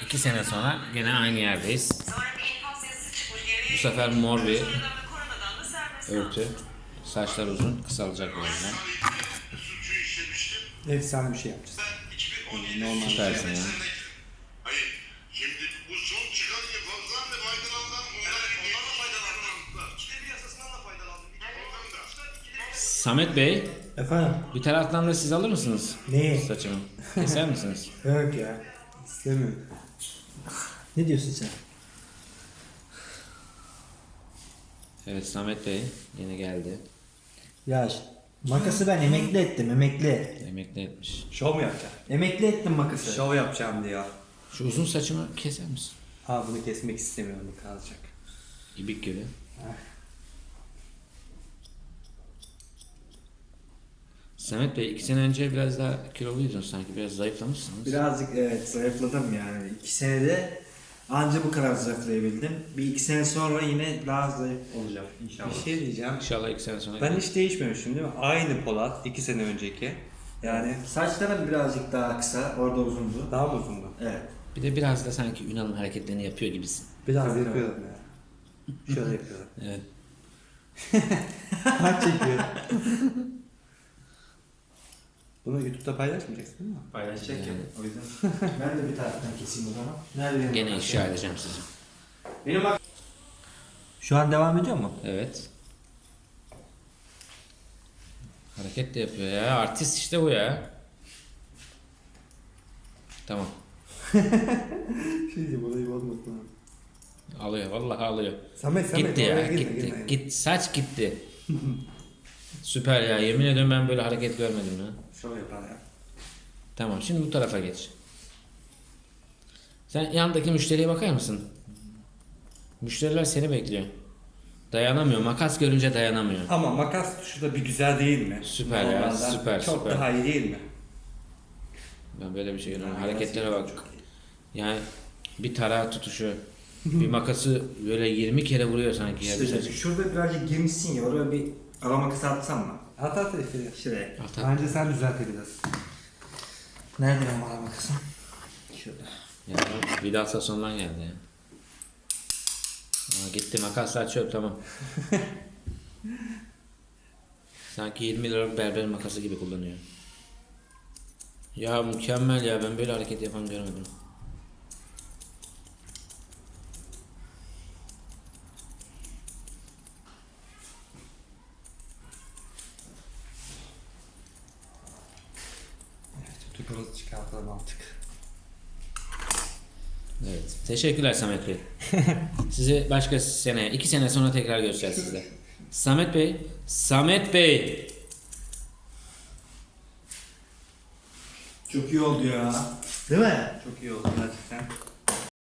2 sene sonra gene aynı yerdeyiz. Bu sefer mor bir örtü. Saçlar uzun, kısalacak birazdan. Efsane bir şey yapacağız. Normal süpersin ya. Hayır. Şimdi bu son çıkan infazdan ve faydalandan ondan da faydalandılar. İkide bir yasasından da faydalandım. Samet Bey, Efendim? bir taraftan da siz alır mısınız Neyi? saçımı? Keser misiniz? Yok ya. İstemiyorum. Ne diyorsun sen? Evet, Samet Bey yine geldi. Ya makası ben emekli ettim, emekli. Emekli etmiş. Şov mu yapacağım? Emekli ettim makası. Şov yapacağım diyor. Şu uzun saçımı keser misin? Ha bunu kesmek istemiyorum, bu kalacak. İbik gibi. Samet Bey, 2 sene önce biraz daha kiloluydun sanki. Biraz zayıflamışsınız. Birazcık evet zayıfladım yani. 2 senede anca bu kadar zayıflayabildim. Bir 2 sene sonra yine daha zayıf olacağım inşallah. Bir şey diyeceğim. İnşallah 2 sene sonra. Ben hiç değişmemişim değil mi? Aynı Polat 2 sene önceki. Yani Saçlarım birazcık daha kısa, orada uzundu. daha mı uzundu? Evet. Bir de biraz da sanki Ünal'ın hareketlerini yapıyor gibisin. Biraz Tabii, yapıyorum ya. Şöyle yapıyorum. Evet. Kaç çekiyor? Bunu YouTube'da paylaşmayacaksın değil mi? Paylaşacak Yani. ya. O yüzden ben de bir taraftan keseyim o zaman. Nerede benim Gene makas ifşa ya? edeceğim sizi. Benim bak. Şu an devam ediyor mu? Evet. Hareket de yapıyor ya. Artist işte bu ya. Tamam. Şey diyeceğim, olayı olmasın. Alıyor. Vallahi alıyor. Samet Gitti ya. oraya Gitti. girme. Git. Saç gitti. Süper ya. Yemin ediyorum ben böyle hareket görmedim ya. Şov yapar ya. Tamam. Şimdi bu tarafa geç. Sen yandaki müşteriye bakar mısın? Müşteriler seni bekliyor. Dayanamıyor. Makas görünce dayanamıyor. Ama makas tuşu da bir güzel değil mi? Süper ya, Normalden süper, Çok süper. daha iyi değil mi? Ben böyle bir şey görüyorum. Hareketlere bak. Yani bir tarağı tutuşu, bir makası böyle 20 kere vuruyor sanki ya bir İşte saç. şurada birazcık girmişsin ya, oraya bir ara makası atsam mı? At işte. Şuraya. At. Bence sen düzeltebilirsin. Nerede benim ara makasım? Şurada. Ya Vidal Sasson'dan geldi ya. Aa, gitti makaslar çöp tamam. Sanki 20 liralık berber makası gibi kullanıyor. Ya mükemmel ya, ben böyle hareket yapan görmedim. Tutukunuzu çıkartalım artık. Evet. Teşekkürler Samet Bey. Sizi başka sene, 2 sene sonra tekrar göreceğiz sizle. Samet Bey, Samet Bey. Çok iyi oldu ya. Değil mi? Çok iyi oldu gerçekten.